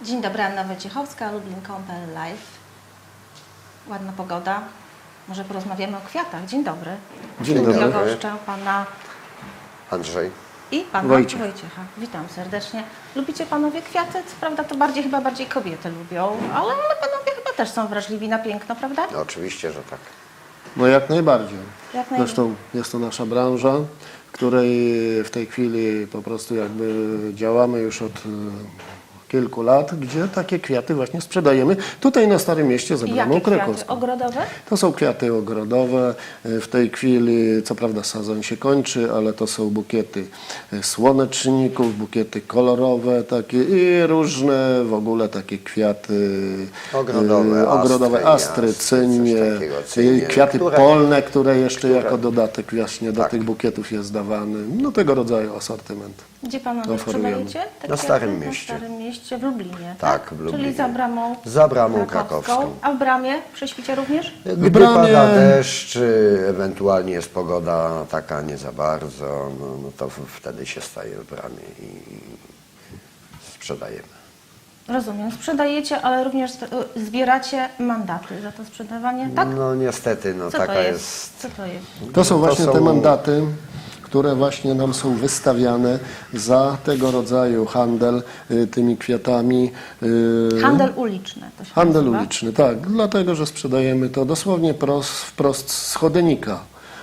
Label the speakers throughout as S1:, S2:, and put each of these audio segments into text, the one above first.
S1: Dzień dobry, Anna Wojciechowska, Lublin.pl Live. Ładna pogoda. Może porozmawiamy o kwiatach. Dzień dobry.
S2: Dzień dobry.
S1: Ja goszczę pana
S2: Andrzej.
S1: I pana Wojciecha. Witam serdecznie. Lubicie panowie kwiaty? Co prawda to chyba bardziej kobiety lubią, ale panowie chyba też są wrażliwi na piękno, prawda?
S2: No, oczywiście, że tak.
S3: No jak najbardziej.
S1: Jak najbardziej.
S3: Zresztą jest to nasza branża, w której w tej chwili po prostu jakby działamy już od kilku lat, gdzie takie kwiaty właśnie sprzedajemy. Tutaj na Starym Mieście za Bramą
S1: Jakie kwiaty?
S3: Krakowską.
S1: Ogrodowe?
S3: To są kwiaty ogrodowe. W tej chwili, co prawda sezon się kończy, ale to są bukiety słoneczników, bukiety kolorowe takie i różne w ogóle takie kwiaty
S2: Ogrodowe,
S3: astry, cynie, kwiaty polne, które jeszcze jako dodatek właśnie do tych bukietów jest dawany. No tego rodzaju asortyment.
S1: Gdzie panowie
S3: Oferujemy.
S1: sprzedajecie te
S2: Na
S1: kwiaty?
S2: Starym Mieście.
S1: Na Starym Mieście, w Lublinie,
S2: Tak, w Lublinie.
S1: Czyli
S2: Za Bramą Krakowską.
S1: A w Bramie? Przy świcie również?
S2: Gdy
S3: Bramie-
S2: pada deszcz, ewentualnie jest pogoda taka nie za bardzo, no to wtedy się staje w Bramie i sprzedajemy.
S1: Rozumiem. Sprzedajecie, ale również zbieracie mandaty za to sprzedawanie, tak?
S2: No niestety, no
S1: Co
S2: taka
S1: to
S2: jest.
S1: Co to jest?
S3: To są właśnie
S2: są-
S3: te mandaty, które właśnie nam są wystawiane za tego rodzaju handel tymi kwiatami.
S1: Handel uliczny to się
S3: Handel
S1: nazywa.
S3: uliczny, tak, dlatego że sprzedajemy to dosłownie wprost z chodnika.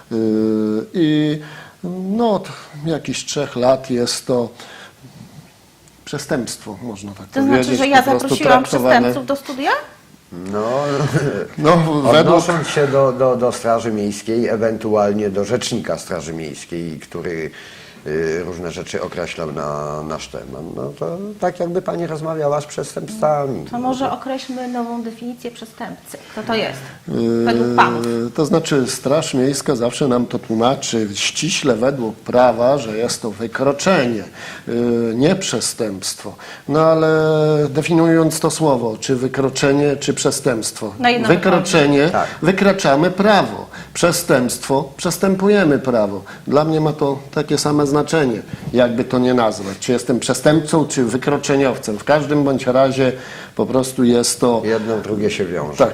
S3: I no, od jakichś 3 lat jest to przestępstwo, można tak
S1: To
S3: powiedzieć.
S1: znaczy, że ja
S3: po prostu
S1: zaprosiłam
S3: traktowane.
S1: przestępców do studia?
S2: No,
S3: No, według
S2: odnosząc się do Straży Miejskiej, ewentualnie do Rzecznika Straży Miejskiej, który różne rzeczy określał na nasz temat, no to tak jakby pani rozmawiała z przestępcami.
S1: To może określmy nową definicję przestępcy. Kto to jest? Według panów.
S3: To znaczy Straż Miejska zawsze nam to tłumaczy ściśle według prawa, że jest to wykroczenie, nie przestępstwo. No ale definiując to słowo, czy wykroczenie, czy przestępstwo.
S1: Na jedno
S3: Wykroczenie,
S2: Tak.
S3: wykraczamy prawo. Przestępstwo, przestępujemy prawo. Dla mnie ma to takie same znaczenie, jakby to nie nazwać. Czy jestem przestępcą, czy wykroczeniowcem. W każdym bądź razie po prostu jest to...
S2: Jedno, drugie się wiąże.
S3: Tak.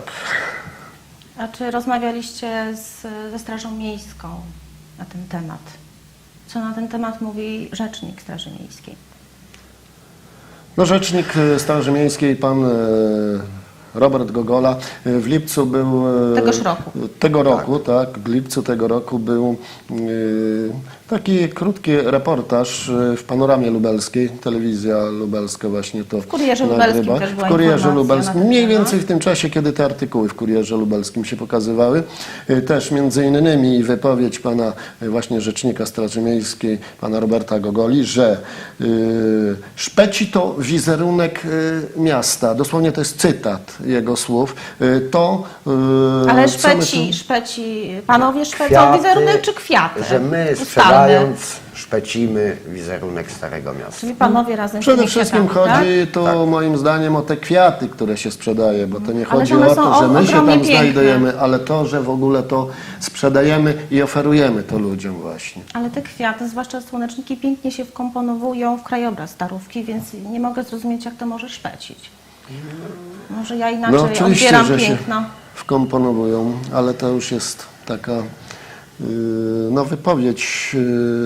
S1: A czy rozmawialiście ze Strażą Miejską na ten temat? Co na ten temat mówi rzecznik Straży Miejskiej?
S3: No, rzecznik Straży Miejskiej, pan Robert Gogola, w lipcu był...
S1: Tegoż roku.
S3: Tego roku, tak. W lipcu tego roku był taki krótki reportaż w Panoramie Lubelskiej. Telewizja lubelska właśnie to
S1: W Kurierze
S3: nagrywa.
S1: Lubelskim też była
S3: W Kurierze
S1: informacja
S3: Lubelskim.
S1: na ten
S3: Mniej
S1: temat.
S3: więcej w tym czasie, kiedy te artykuły w Kurierze Lubelskim się pokazywały. Też między innymi wypowiedź pana właśnie rzecznika Straży Miejskiej, pana Roberta Gogoli, że szpeci to wizerunek miasta. Dosłownie to jest cytat jego słów.
S1: Ale
S3: co my tu-
S1: panowie szpecą
S2: Kwiaty,
S1: wizerunek czy kwiaty?
S2: że my
S1: Ustalmy.
S2: sprzedając szpecimy wizerunek Starego Miasta.
S1: Czyli panowie razem z
S3: Przede
S1: tymi
S3: wszystkim
S1: kwiatami,
S3: chodzi
S1: tak?
S3: to moim zdaniem o te kwiaty, które się sprzedaje, bo to nie
S1: Ale
S3: chodzi
S1: one
S3: o
S1: są
S3: to, że my się
S1: ogromnie
S3: tam
S1: piękne.
S3: znajdujemy, ale to, że w ogóle to sprzedajemy i oferujemy to ludziom właśnie.
S1: Ale te kwiaty, zwłaszcza słoneczniki, pięknie się wkomponowują w krajobraz Starówki, więc nie mogę zrozumieć, jak to może szpecić. Może ja inaczej
S3: No oczywiście,
S1: odbieram
S3: że
S1: piękno.
S3: się wkomponowują, ale to już jest taka no, wypowiedź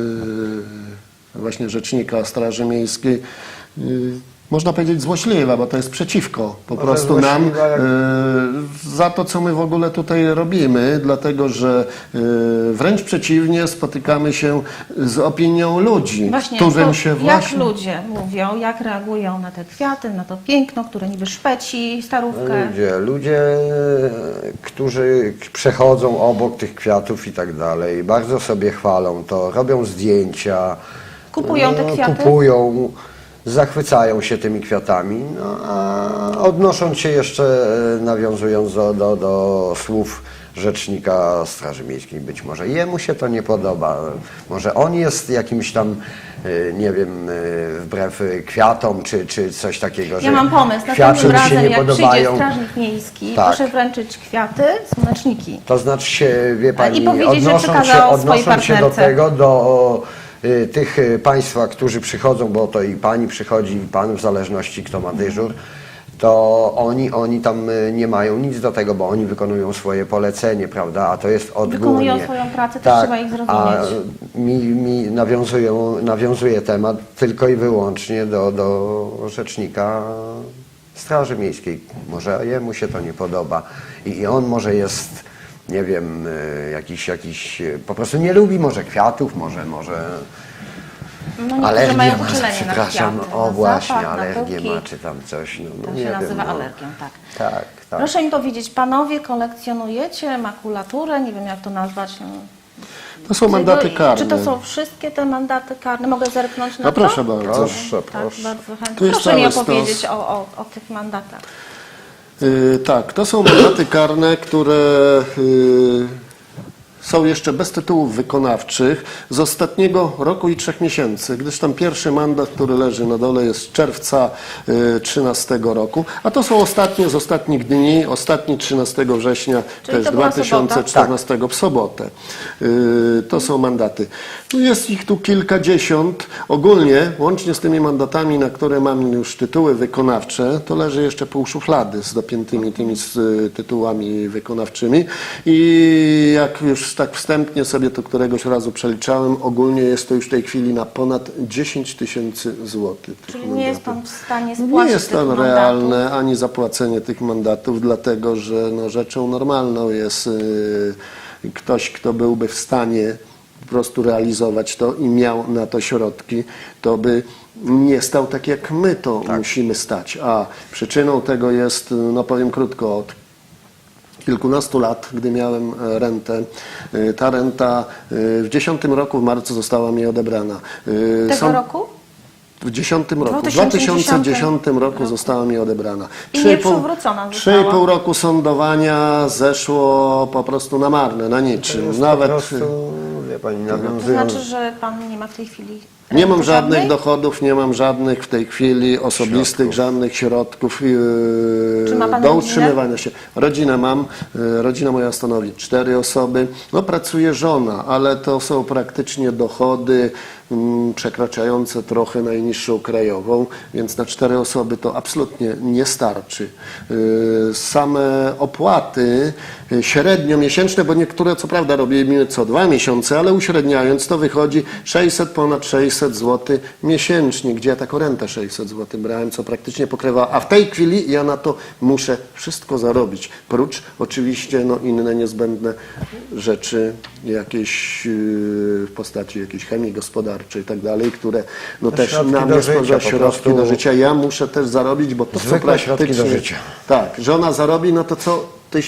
S3: właśnie rzecznika Straży Miejskiej, można powiedzieć złośliwa, bo to jest przeciwko po
S2: Może
S3: prostu nam
S2: złośliwa jak-
S3: za to, co my w ogóle tutaj robimy, dlatego że wręcz przeciwnie, spotykamy się z opinią ludzi,
S1: Właśnie,
S3: którym
S1: to
S3: się
S1: jak
S3: właśnie...
S1: ludzie mówią, jak reagują na te kwiaty, na to piękno, które niby szpeci Starówkę.
S2: Ludzie, którzy przechodzą obok tych kwiatów i tak dalej, bardzo sobie chwalą to, robią zdjęcia.
S1: Kupują te kwiaty?
S2: Kupują, zachwycają się tymi kwiatami, no, a odnosząc się jeszcze, nawiązując do słów rzecznika Straży Miejskiej, być może jemu się to nie podoba, może on jest jakimś tam, nie wiem, wbrew kwiatom, czy coś takiego,
S1: Ja mam pomysł,
S2: kwiaty
S1: następnym
S2: mu się
S1: razem
S2: nie
S1: jak przyjdzie
S2: podobają.
S1: strażnik miejski,
S2: Tak.
S1: proszę wręczyć kwiaty, słoneczniki.
S2: To znaczy się, wie pani,
S1: I powiedzieć, że przekazał swojej
S2: odnosząc się do
S1: partnerce.
S2: tego, tych państwa, którzy przychodzą, bo to i pani przychodzi, i pan, w zależności kto ma dyżur, to oni tam nie mają nic do tego, bo oni wykonują swoje polecenie, prawda, a to jest odgórnie.
S1: Wykonują swoją pracę, też trzeba ich zrozumieć.
S2: A mi nawiązuje temat tylko i wyłącznie do rzecznika Straży Miejskiej. Może jemu się to nie podoba i on może jest, nie wiem, jakiś po prostu nie lubi może kwiatów, może
S1: No niektórzy
S2: alergię
S1: mają
S2: ma,
S1: uczulenie
S2: przepraszam,
S1: na kwiaty,
S2: o
S1: na
S2: właśnie,
S1: zapach, na
S2: alergię
S1: pyłki.
S2: ma czy tam coś. No,
S1: To
S2: nie
S1: się
S2: wiem,
S1: nazywa
S2: no.
S1: alergią, tak.
S2: Tak.
S1: Proszę mi powiedzieć, panowie kolekcjonujecie makulaturę, nie wiem jak to nazwać. No.
S3: To są mandaty karne.
S1: Czy to są wszystkie te mandaty karne? Mogę zerknąć na
S3: No
S1: to?
S3: proszę bardzo.
S2: Proszę,
S1: Tak,
S2: proszę.
S1: bardzo chętnie.
S3: Tu jest
S1: Proszę mi
S3: cały stos.
S1: opowiedzieć o tych mandatach.
S3: Tak, to są mandaty karne, które są jeszcze bez tytułów wykonawczych z ostatniego roku i 3 miesięcy, gdyż tam pierwszy mandat, który leży na dole, jest z czerwca 2013 roku, a to są ostatnie z ostatnich dni, ostatni 13 września
S1: Czyli
S3: też
S1: to była
S3: 2014 w sobotę. To są mandaty. No jest ich tu kilkadziesiąt. Ogólnie, łącznie z tymi mandatami, na które mam już tytuły wykonawcze, to leży jeszcze pół szuflady z dopiętymi tymi tytułami wykonawczymi i jak już tak wstępnie sobie to któregoś razu przeliczałem, ogólnie jest to już w tej chwili na ponad 10 000 złotych.
S1: Czyli nie jest pan w stanie spłacić
S3: Nie jest
S1: tych
S3: to
S1: mandatów.
S3: realne ani zapłacenie tych mandatów, dlatego że no, rzeczą normalną jest ktoś, kto byłby w stanie po prostu realizować to i miał na to środki, to by nie stał tak jak my to musimy stać. A przyczyną tego jest, no powiem krótko, od kilkunastu lat, gdy miałem rentę. Ta renta w 10 roku w marcu została mi odebrana.
S1: Tego roku?
S3: W 10 roku. W
S1: 2010
S3: 2010 roku została mi odebrana.
S1: I nie przywrócona została.
S3: 3,5 roku sądowania zeszło po prostu na marne, na niczym.
S2: Jest
S3: Nawet
S2: po prostu, wie pani,
S1: To
S2: nawiązując...
S1: znaczy, że pan nie ma w tej chwili
S3: nie mam
S1: renty
S3: żadnych
S1: żadnej?
S3: dochodów, nie mam żadnych w tej chwili osobistych, żadnych środków
S1: Czy ma pan
S3: do
S1: rodzinę?
S3: utrzymywania się. Rodzinę mam, rodzina moja stanowi 4 osoby. No pracuje żona, ale to są praktycznie dochody przekraczające trochę najniższą krajową, więc na 4 osoby to absolutnie nie starczy. Same opłaty średnio miesięczne, bo niektóre co prawda robimy co 2 miesiące, ale uśredniając to wychodzi ponad 600 zł miesięcznie, gdzie ja taką rentę 600 zł brałem, co praktycznie pokrywa, a w tej chwili ja na to muszę wszystko zarobić, prócz oczywiście no, inne niezbędne rzeczy, jakieś w postaci jakiejś chemii gospodarczej i tak dalej, które no, też
S2: środki
S3: na
S2: do
S3: mnie
S2: życia,
S3: stwarza
S2: po
S3: środki
S2: prostu.
S3: do życia. Ja muszę też zarobić, bo to
S2: Zwykłe
S3: co
S2: środki do
S3: praktycznie...
S2: życia.
S3: Tak, żona zarobi, no to co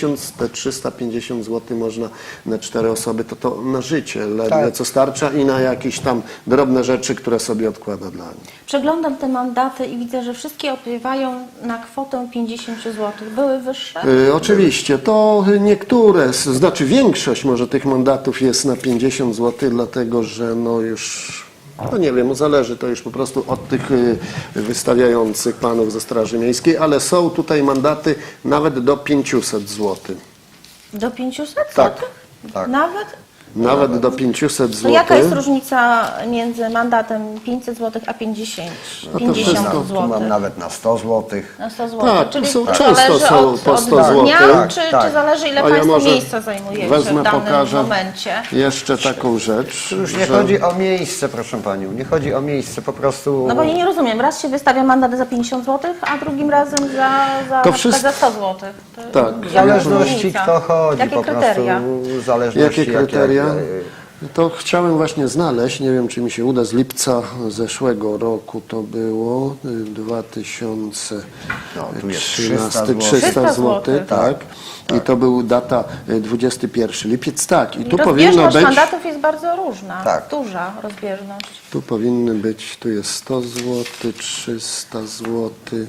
S3: 1350 zł można na 4 osoby, to na życie ledwie
S2: Tak.
S3: co starcza i na jakieś tam drobne rzeczy, które sobie odkłada dla nich.
S1: Przeglądam te mandaty i widzę, że wszystkie opiewają na kwotę 50 zł. Były wyższe?
S3: Oczywiście, to niektóre, znaczy większość może tych mandatów jest na 50 zł, dlatego że no już, no nie wiem, zależy to już po prostu od tych wystawiających panów ze Straży Miejskiej, ale są tutaj mandaty nawet do 500 zł.
S1: Do 500 zł?
S3: Tak,
S2: tak.
S1: Nawet?
S3: Nawet do 500
S1: To
S3: zł.
S1: jaka jest różnica między mandatem 500 zł a 50,
S3: to
S1: 50
S3: wszystko.
S2: Tu
S1: zł?
S2: mam nawet na 100 zł.
S1: Na 100 zł.
S3: Tak,
S1: Czyli
S3: są-
S1: to
S3: często
S1: zależy
S3: są
S1: od,
S3: po 100
S1: od
S3: zł.
S1: dnia,
S2: Tak,
S1: czy
S2: tak.
S1: zależy ile
S3: A ja
S1: Państwo
S3: może
S1: miejsca zajmujecie
S3: wezmę,
S1: w danym
S3: pokażę
S1: momencie?
S3: jeszcze taką rzecz,
S2: Już nie
S3: że
S2: chodzi o miejsce, proszę panią, nie chodzi o miejsce, po prostu...
S1: No bo ja nie rozumiem, raz się wystawia mandat za 50 zł, a drugim razem za,
S3: To
S1: na przykład
S3: wszystko-
S1: za 100 zł.
S3: Tak.
S2: W zależności kto chodzi,
S1: Jakie
S2: po
S1: kryteria?
S2: prostu w zależności
S3: jakie kryteria?
S2: jak-
S3: To chciałem właśnie znaleźć, nie wiem czy mi się uda, z lipca zeszłego roku to było 2013,
S2: No, tu jest 300
S3: 300
S1: zł.
S3: zł, tak. I to był data 21 lipiec, tak. I tu powinno
S1: Rozbieżność
S3: być,
S1: mandatów jest bardzo różna,
S2: Tak.
S1: duża rozbieżność.
S3: tu powinny być, tu jest 100 zł, 300 zł,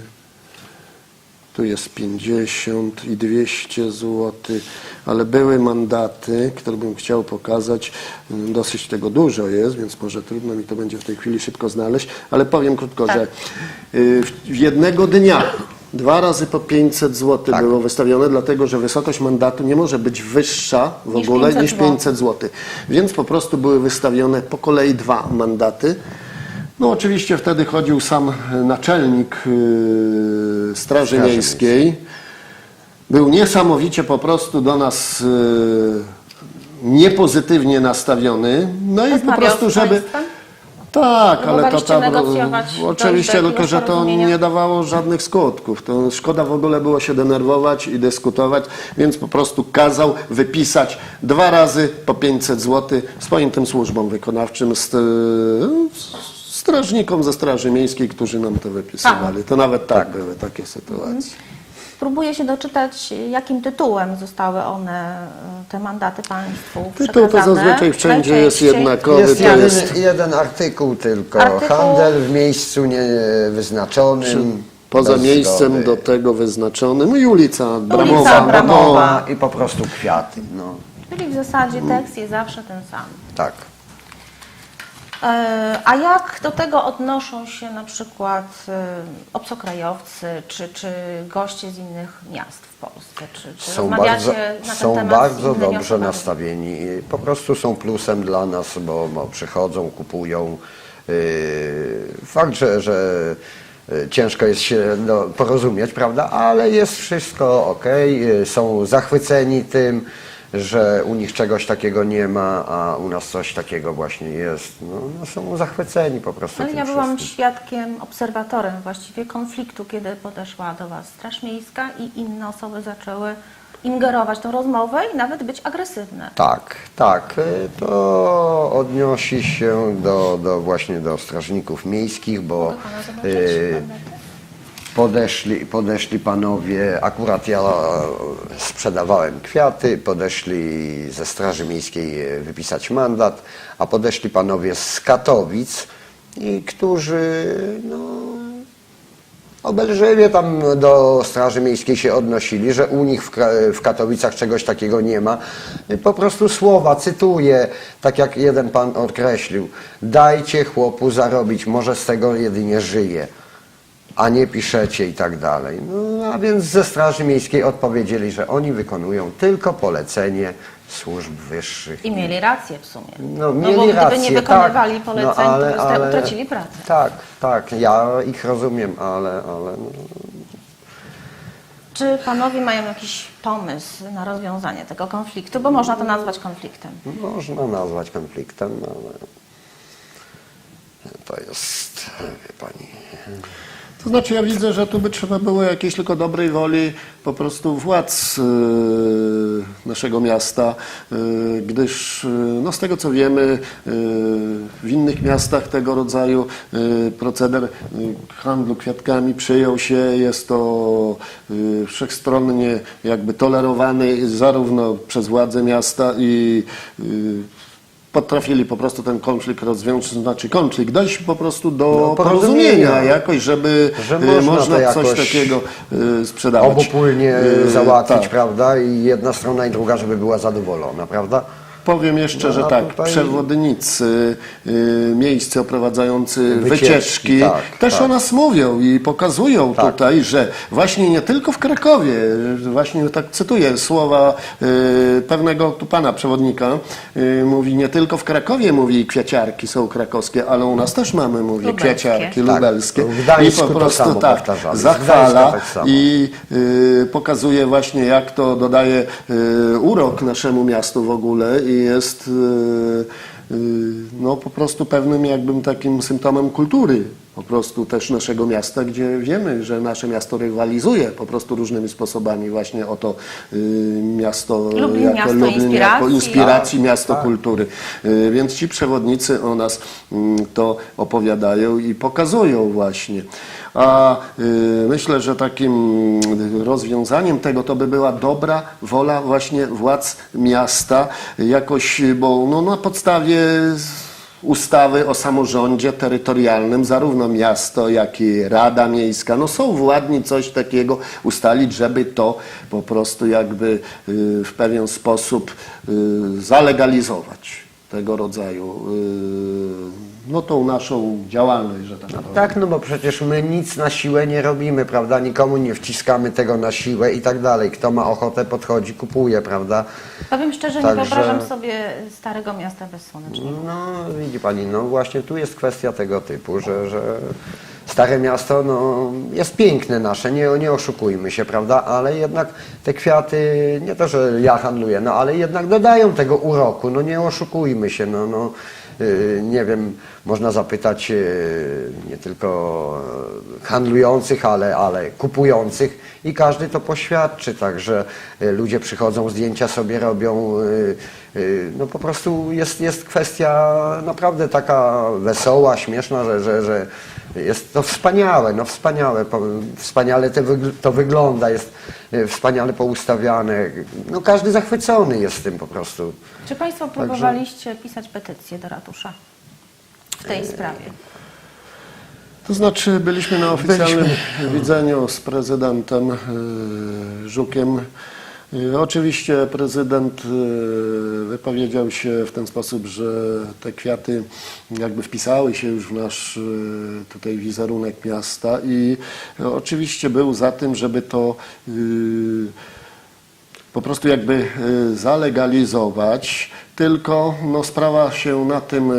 S3: tu jest 50 i 200 zł, ale były mandaty, które bym chciał pokazać, dosyć tego dużo jest, więc może trudno mi to będzie w tej chwili szybko znaleźć, ale powiem krótko,
S1: Tak.
S3: że jednego dnia 2 razy po 500 zł
S2: Tak.
S3: było wystawione, dlatego że wysokość mandatu nie może być wyższa w
S1: Niż
S3: ogóle
S1: 500
S3: niż 500 zł. Więc po prostu były wystawione po kolei 2 mandaty. No oczywiście wtedy chodził sam naczelnik Straży Miejskiej. Był niesamowicie po prostu do nas niepozytywnie nastawiony. No i po
S1: Rozmawiał
S3: prostu,
S1: z
S3: żeby...
S1: państwem?
S3: Tak, ale to
S1: Próbowaliście
S3: tam
S1: negocjować,
S3: oczywiście,
S1: dojść do
S3: tylko że
S1: jakiegoś
S3: to
S1: porozumienia?
S3: nie dawało żadnych skutków. To szkoda w ogóle było się denerwować i dyskutować, więc po prostu kazał wypisać 2 razy po 500 zł swoim tym służbom wykonawczym, strażnikom ze Straży Miejskiej, którzy nam to wypisywali. To nawet tak były takie sytuacje.
S1: Próbuję się doczytać, jakim tytułem zostały one, te mandaty państwu
S3: Tytuł to
S1: przekazane.
S3: zazwyczaj wszędzie jest
S1: Najczęściej.
S3: jednakowy.
S2: Jest
S3: To
S2: jeden,
S3: jest
S2: jeden artykuł tylko.
S1: Artykuł-
S2: Handel w miejscu niewyznaczonym.
S3: poza
S2: bez
S3: miejscem
S2: zgody.
S3: do tego wyznaczonym. I ulica Bramowa.
S1: Ulica
S3: no to-
S1: Bramowa.
S2: I po prostu kwiaty. No,
S1: Czyli w zasadzie tekst jest zawsze ten sam.
S2: tak.
S1: A jak do tego odnoszą się na przykład obcokrajowcy czy goście z innych miast w Polsce? Czy
S2: Są
S1: rozmawiacie
S2: bardzo,
S1: na ten
S2: są
S1: temat
S2: bardzo
S1: z innymi
S2: dobrze
S1: osobami?
S2: nastawieni. I po prostu są plusem dla nas, bo przychodzą, kupują. Fakt, że ciężko jest się porozumieć, prawda? Ale jest wszystko ok. Są zachwyceni tym, że u nich czegoś takiego nie ma, a u nas coś takiego właśnie jest. No, są zachwyceni po prostu
S1: Ale
S2: tym
S1: ja byłam
S2: wszystkim.
S1: świadkiem, obserwatorem właściwie konfliktu, kiedy podeszła do Was Straż Miejska i inne osoby zaczęły ingerować w tę rozmowę i nawet być agresywne.
S2: Tak, tak. To odnosi się właśnie do strażników miejskich, bo
S1: Mogę Pana zobaczyć?
S2: podeszli panowie, akurat ja sprzedawałem kwiaty, podeszli ze Straży Miejskiej wypisać mandat, a podeszli panowie z Katowic, i którzy obelżywie tam do Straży Miejskiej się odnosili, że u nich w Katowicach czegoś takiego nie ma. Po prostu słowa, cytuję, tak jak jeden pan określił: dajcie chłopu zarobić, może z tego jedynie żyje, a nie piszecie i tak dalej. No, a więc ze Straży Miejskiej odpowiedzieli, że oni wykonują tylko polecenie służb wyższych.
S1: I mieli rację w sumie.
S2: No, mieli
S1: bo gdyby
S2: rację,
S1: nie wykonywali
S2: tak,
S1: poleceń,
S2: ale-
S1: to
S2: ale-
S1: utracili pracę.
S2: Tak, tak, ja ich rozumiem, ale
S1: Czy panowie mają jakiś pomysł na rozwiązanie tego konfliktu? Bo można to nazwać konfliktem.
S2: można nazwać konfliktem, ale to jest, wie pani...
S3: To znaczy ja widzę, że tu by trzeba było jakiejś tylko dobrej woli po prostu władz naszego miasta, gdyż no z tego co wiemy w innych miastach tego rodzaju proceder handlu kwiatkami przyjął się, jest to wszechstronnie jakby tolerowany zarówno przez władze miasta i potrafili po prostu ten konflikt rozwiązać, znaczy konflikt, dojść po prostu do porozumienia jakoś, żeby
S2: że można to
S3: coś
S2: jakoś
S3: takiego sprzedawać.
S2: obopólnie załatwić,
S3: tak.
S2: prawda? I jedna strona i druga, żeby była zadowolona, prawda?
S3: Powiem jeszcze,
S2: No,
S3: że
S2: a
S3: tak,
S2: tutaj-
S3: przewodnicy miejsce oprowadzający
S2: Wycieczki,
S3: wycieczki
S2: tak,
S3: też
S2: tak.
S3: o nas mówią i pokazują
S2: Tak.
S3: tutaj, że właśnie nie tylko w Krakowie, właśnie tak cytuję słowa pewnego tu pana przewodnika, mówi nie tylko w Krakowie, mówi kwiaciarki są krakowskie, ale u nas też mamy, mówi
S1: Lubelskie.
S3: kwiaciarki
S2: Tak.
S3: lubelskie.
S2: W Gdańsku
S3: I po
S2: to
S3: prostu
S2: samo
S3: tak
S2: powtarzamy. Z
S3: zachwala
S2: Gdańska tak samo.
S3: i pokazuje właśnie, jak to dodaje urok naszemu miastu w ogóle i jest no po prostu pewnym jakbym takim symptomem kultury po prostu też naszego miasta, gdzie wiemy, że nasze miasto rywalizuje po prostu różnymi sposobami właśnie o to miasto
S1: Lublin, miasto inspiracji.
S3: jako inspiracji,
S2: Tak,
S3: miasto
S2: tak.
S3: kultury. Więc ci przewodnicy o nas to opowiadają i pokazują właśnie. A myślę, że takim rozwiązaniem tego to by była dobra wola właśnie władz miasta jakoś, bo no, na podstawie ustawy o samorządzie terytorialnym zarówno miasto, jak i Rada Miejska no są władni coś takiego ustalić, żeby to po prostu jakby w pewien sposób zalegalizować tego rodzaju no, tą naszą działalność, że tak powiem.
S2: Tak, no bo przecież my nic na siłę nie robimy, prawda? Nikomu nie wciskamy tego na siłę i tak dalej. Kto ma ochotę, podchodzi, kupuje, prawda?
S1: Powiem szczerze,
S2: Także-
S1: nie wyobrażam sobie Starego Miasta bez słonecznika.
S2: No, widzi pani, no właśnie tu jest kwestia tego typu, że Stare Miasto no, jest piękne nasze, nie oszukujmy się, prawda? Ale jednak te kwiaty, nie to, że ja handluję, no ale jednak dodają tego uroku, no nie oszukujmy się, nie wiem, można zapytać nie tylko handlujących, ale kupujących i każdy to poświadczy, także ludzie przychodzą, zdjęcia sobie robią, no po prostu jest kwestia naprawdę taka wesoła, śmieszna, że jest to wspaniałe, no wspaniale to wygląda, jest wspaniale poustawiane, no każdy zachwycony jest tym po prostu.
S1: Czy Państwo próbowaliście pisać petycję do ratusza w tej sprawie?
S3: To znaczy byliśmy na oficjalnym widzeniu z prezydentem Żukiem. Oczywiście prezydent wypowiedział się w ten sposób, że te kwiaty jakby wpisały się już w nasz tutaj wizerunek miasta i oczywiście był za tym, żeby to po prostu jakby zalegalizować, tylko no, sprawa się na tym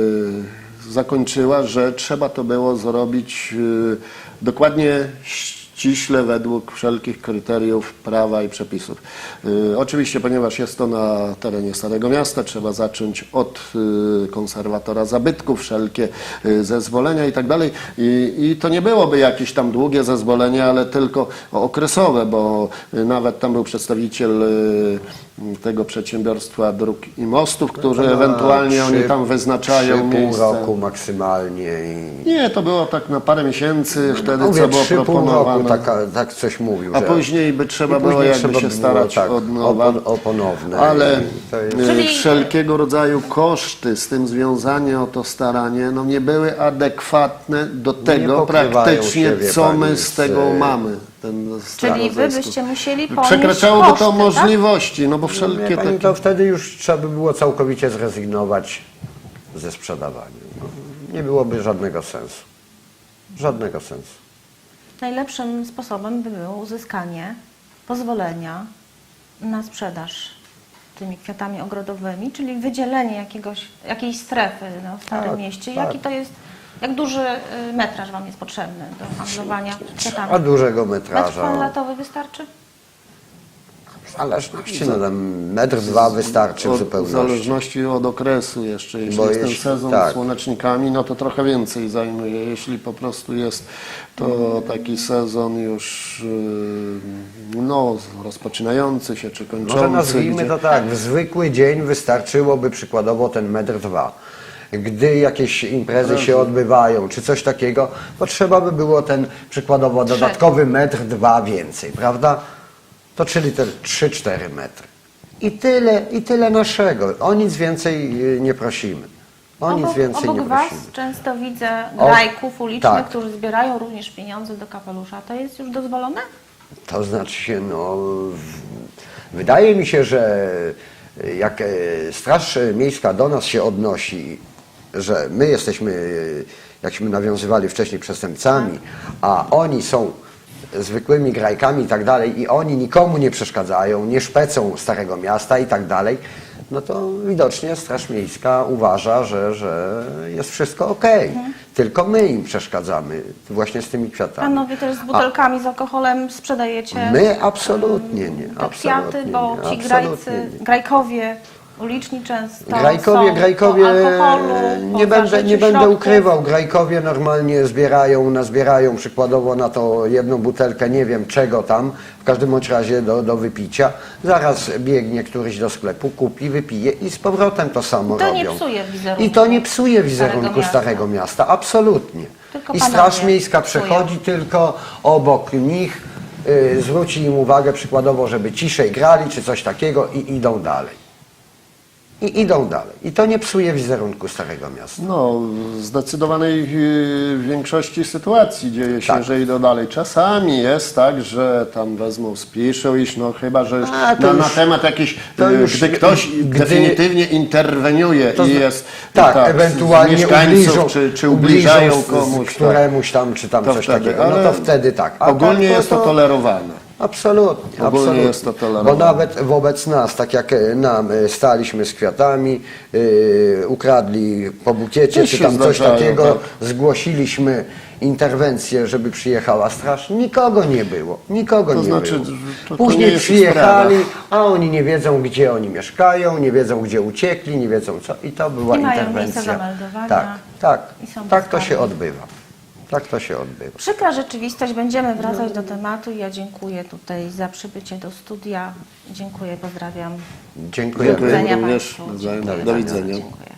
S3: zakończyła, że trzeba to było zrobić dokładnie ściśle według wszelkich kryteriów prawa i przepisów. Oczywiście, ponieważ jest to na terenie Starego Miasta, trzeba zacząć od konserwatora zabytków, wszelkie zezwolenia i tak dalej. I to nie byłoby jakieś tam długie zezwolenie, ale tylko okresowe, bo nawet tam był przedstawiciel tego przedsiębiorstwa dróg i mostów, którzy ewentualnie oni tam wyznaczają
S2: pół
S3: miejsce.
S2: roku maksymalnie.
S3: Nie, to było tak na parę miesięcy wtedy,
S2: Mówię,
S3: co było
S2: 3,5
S3: proponowane.
S2: roku tak coś mówił.
S3: A
S2: że-
S3: później by trzeba
S2: i
S3: było
S2: później
S3: jakby
S2: trzeba
S3: się
S2: było,
S3: starać
S2: tak,
S3: od nowa.
S2: o ponowne.
S3: Ale
S2: I to jest-
S1: Czyli-
S3: wszelkiego rodzaju koszty z tym związane o to staranie no nie były adekwatne do tego
S2: pokrywają
S3: praktycznie,
S2: się, wie
S3: co
S2: pani,
S3: my
S2: z-
S3: z tego mamy. Ten
S1: Czyli Wy
S3: zysk.
S1: byście musieli ponieść
S3: Przekraczałoby
S1: koszty,
S3: to
S1: tak?
S3: możliwości, no bo
S2: Wie
S3: wszelkie
S2: pani,
S3: takie...
S2: to wtedy już trzeba by było całkowicie zrezygnować ze sprzedawania. No, nie byłoby żadnego sensu. Żadnego sensu.
S1: Najlepszym sposobem by było uzyskanie pozwolenia na sprzedaż tymi kwiatami ogrodowymi, czyli wydzielenie jakiejś strefy no, w Starym
S2: Tak,
S1: Mieście.
S2: tak.
S1: Jaki to jest, jak duży metraż Wam jest potrzebny do handlowania kwiatami?
S2: A dużego
S1: Metr
S2: metraża.
S1: kwadratowy wystarczy?
S2: W zależności, no tam 1-2 m wystarczy w
S3: W
S2: zupełności.
S3: zależności od okresu jeszcze, jeśli
S2: Bo
S3: jest ten
S2: jeśli-
S3: sezon
S2: tak.
S3: z słonecznikami, no to trochę więcej zajmuje. Jeśli po prostu jest to taki sezon już no, rozpoczynający się czy kończący.
S2: Może nazwijmy
S3: gdzie-
S2: to tak, w zwykły dzień wystarczyłoby przykładowo ten 1,2 m. Gdy jakieś imprezy się odbywają, czy coś takiego, to trzeba by było ten przykładowo dodatkowy 1,2 m więcej, prawda? To czyli te 3-4 metry. I tyle naszego. O nic więcej nie prosimy. O nic więcej
S1: obok
S2: nie
S1: Was
S2: prosimy.
S1: często widzę
S2: O,
S1: grajków ulicznych,
S2: tak.
S1: którzy zbierają również pieniądze do kapelusza. To jest już dozwolone?
S2: To znaczy się, no, wydaje mi się, że jak Straż Miejska do nas się odnosi, że my jesteśmy, jakśmy nawiązywali wcześniej, przestępcami, a oni są zwykłymi grajkami i tak dalej i oni nikomu nie przeszkadzają, nie szpecą Starego Miasta i tak dalej, no to widocznie Straż Miejska uważa, że jest wszystko okej. Tylko my im przeszkadzamy właśnie z tymi kwiatami.
S1: Panowie też z butelkami z alkoholem sprzedajecie
S2: My absolutnie nie.
S1: te kwiaty,
S2: Absolutnie
S1: bo
S2: nie,
S1: ci
S2: absolutnie nie.
S1: grajkowie uliczni często
S2: Grajkowie,
S1: są po alkoholu, po
S2: nie będę
S1: zażyciu
S2: będę
S1: środków.
S2: ukrywał, grajkowie normalnie nazbierają przykładowo na to jedną butelkę, nie wiem czego tam, w każdym bądź razie do wypicia. Zaraz biegnie któryś do sklepu, kupi, wypije i z powrotem to samo
S1: To
S2: robią.
S1: nie psuje wizerunku
S2: I to nie psuje wizerunku
S1: Starego
S2: Starego Miasta, absolutnie.
S1: Tylko
S2: I
S1: panowie
S2: Straż Miejska
S1: psują.
S2: przechodzi tylko obok nich, zwróci im uwagę przykładowo, żeby ciszej grali czy coś takiego i idą dalej. i idą dalej. I to nie psuje wizerunku Starego Miasta.
S3: No, w zdecydowanej większości sytuacji dzieje się,
S2: Tak.
S3: że idą dalej. Czasami jest tak, że tam wezmą, spiszą iść, no chyba, że już
S2: A, to
S3: na
S2: już-
S3: temat jakiś,
S2: to już-
S3: gdy ktoś definitywnie interweniuje
S2: To
S3: i
S2: zna-
S3: jest
S2: tak,
S3: z
S2: ewentualnie
S3: mieszkańców, czy ubliżają
S2: z
S3: komuś. Tak.
S2: któremuś tam, czy tam
S3: To
S2: coś
S3: wtedy,
S2: takiego. No
S3: ale
S2: to wtedy tak. A
S3: Ogólnie
S2: tak,
S3: jest to tolerowane.
S2: Absolutnie,
S3: Ogólnie
S2: absolutnie.
S3: jest to tolerowane.
S2: Bo nawet wobec nas, tak jak nam staliśmy z kwiatami, ukradli po bukiecie,
S3: Też
S2: czy
S3: się
S2: tam coś
S3: zdarzają,
S2: takiego,
S3: tak.
S2: zgłosiliśmy interwencję, żeby przyjechała straż, nikogo nie było, nikogo
S3: To
S2: nie
S3: znaczy,
S2: było.
S3: to nie
S2: Później
S3: jest ich
S2: przyjechali,
S3: sprawa.
S2: a oni nie wiedzą, gdzie oni mieszkają, nie wiedzą, gdzie uciekli, nie wiedzą co. I to była
S1: I mają
S2: interwencja.
S1: miejsce zameldowania.
S2: Tak,
S1: I są
S2: tak to się
S1: bezkarni.
S2: odbywa. Tak to się odbywa.
S1: Przykra rzeczywistość, będziemy wracać do tematu. Ja dziękuję tutaj za przybycie do studia. Dziękuję, pozdrawiam.
S2: Dziękujemy.
S3: Dziękuję
S1: widzenia
S3: również.
S1: państwu.
S3: Do
S1: Dziękuję
S3: widzenia.
S1: bardzo. Dziękuję.